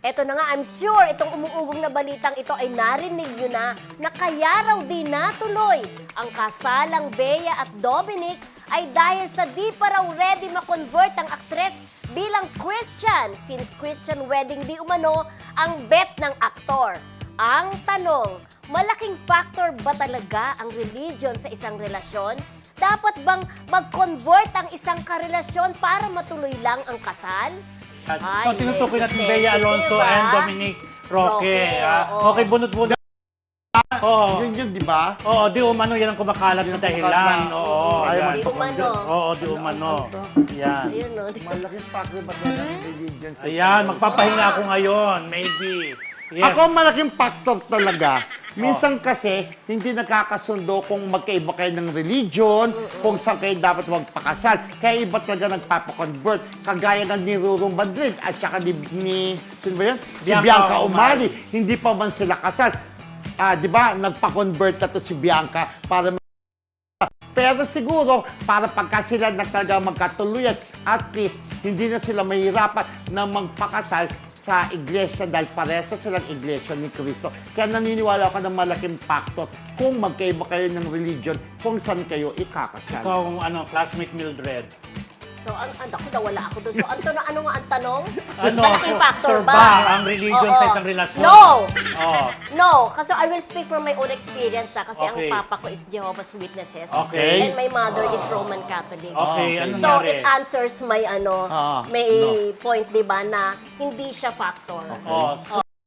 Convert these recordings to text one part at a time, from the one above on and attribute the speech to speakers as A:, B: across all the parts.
A: Eto na nga, I'm sure itong umuugong na balitang ito ay narinig nyo na kaya raw di natuloy ang kasalang Bea at Dominic ay dahil sa di pa raw ready ma-convert ang aktres bilang Christian since Christian wedding di umano ang bet ng aktor. Ang tanong, malaking factor ba talaga ang religion sa isang relasyon? Dapat bang mag-convert ang isang karelasyon para matuloy lang ang kasal?
B: So, tinutukoy natin Bea Alonzo and Dominic Roque. Okay, bunot-bunot. Oo.
C: Yun, di ba?
B: Oo, di umano yan ang kumakalat na dahilan. Oo,
C: Ayaw
B: yan.
A: Di umano.
B: Oo, di umano. Yan.
A: Ayun, no?
C: Malaking factor ba talaga ng religion sa
B: Ayan, magpapahinga ako ngayon. Maybe. Yes.
C: Ako malaking factor talaga. Minsan kasi, hindi nakakasundo kung magkaiba kayo ng religion, kung saan kayo dapat magpakasal. Kaya iba talaga nagpapakonvert. Kagaya ng ni Ruru Madrid at saka ni sino ba yun? Si Bianca Umali. Hindi pa man sila kasal. Di ba? Nagpa-convert na to si Bianca para pero siguro, para pagka sila na talaga magkatuluyan, at least, hindi na sila mahirapan na magpakasal sa iglesia dahil parehas na silang iglesia ni Cristo. Kaya naniniwala ako ng malaking factor kung magkaiba kayo ng religion, kung saan kayo ikakasal.
B: Ikaw, classmate Mildred.
A: So, ako nawala ako doon. So, ano nga ang tanong?
B: Ano,
A: Malaking factor ba?
B: ang religion sa isang relasyon?
A: No!
B: Oo.
A: No! Kasi I will speak from my own experience kasi
B: Okay.
A: ang papa ko is Jehovah's Witnesses.
B: Okay.
A: And my mother is Roman Catholic.
B: Okay, ano
A: So,
B: nangyari?
A: it answers my may point, di ba, na hindi siya factor.
B: Oo.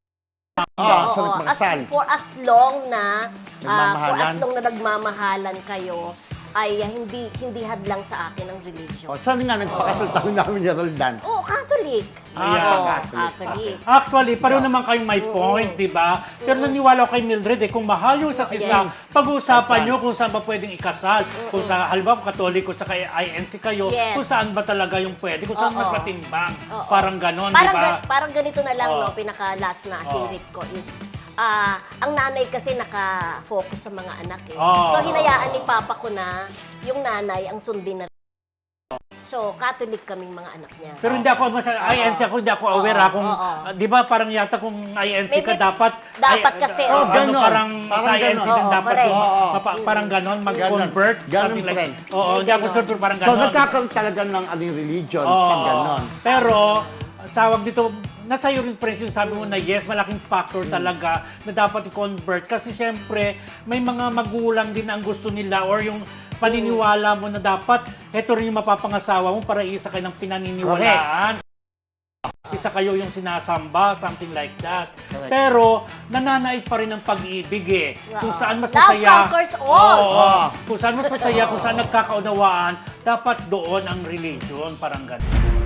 C: Sa nagpakasal.
A: For as long na
C: Nagmamahalan.
A: nagmamahalan kayo, ay hindi hadlang sa akin ang religion.
C: Saan nga nagpakasal tayo namin ni Roldan?
A: Oh, Catholic.
B: Ayan.
A: Catholic.
B: Actually, pareho naman kayong may point, di ba? Pero naniwala ko kay Mildred, kung mahal yung isa't isa,
A: Yes.
B: pag-uusapan nyo kung saan ba pwedeng ikasal. Kung sa, halimbawa, Katoliko, sa kay INC kayo,
A: Yes.
B: kung saan ba talaga yung pwede, kung saan mas matimbang.
A: Oo.
B: Parang ganon, di ba?
A: Parang ganito na lang,
B: Oo.
A: no, pinaka-last na hirit ko is, ang nanay kasi naka-focus sa mga anak eh.
B: Oo.
A: So, hinayaan ni Papa ko na yung nanay ang sundin na. So, Catholic kaming mga anak niya.
B: Pero hindi ako, INC ako, hindi ako aware kung, di ba parang yata kung INC ka dapat,
A: kasi,
C: ganon.
B: parang
C: Parang
B: sa INC
C: ganon.
B: din dapat,
A: correct.
B: parang ganon, mag-convert,
C: Ganon,
B: something like,
C: friend.
B: oo, hindi ako sure, pero parang
C: So,
B: ganon.
C: nagkakaroon talaga ng religion
B: Oo.
C: pag ganon.
B: Pero, tawag dito, nasa iyo rin, Prince, yung sabi mo na yes, malaking factor talaga na dapat i-convert. Kasi syempre, may mga magulang din ang gusto nila or yung paniniwala mo na dapat, ito rin yung mapapangasawa mo para isa kayo ng pinaniniwalaan. Isa kayo yung sinasamba, something like that.
C: Correct.
B: Pero, nananait pa rin ang pag-ibig eh. Kung saan mas
A: Love
B: masaya.
A: conquers all.
B: Oo. Kung saan mas masaya, kung saan nagkakaunawaan, dapat doon ang religion, parang ganun.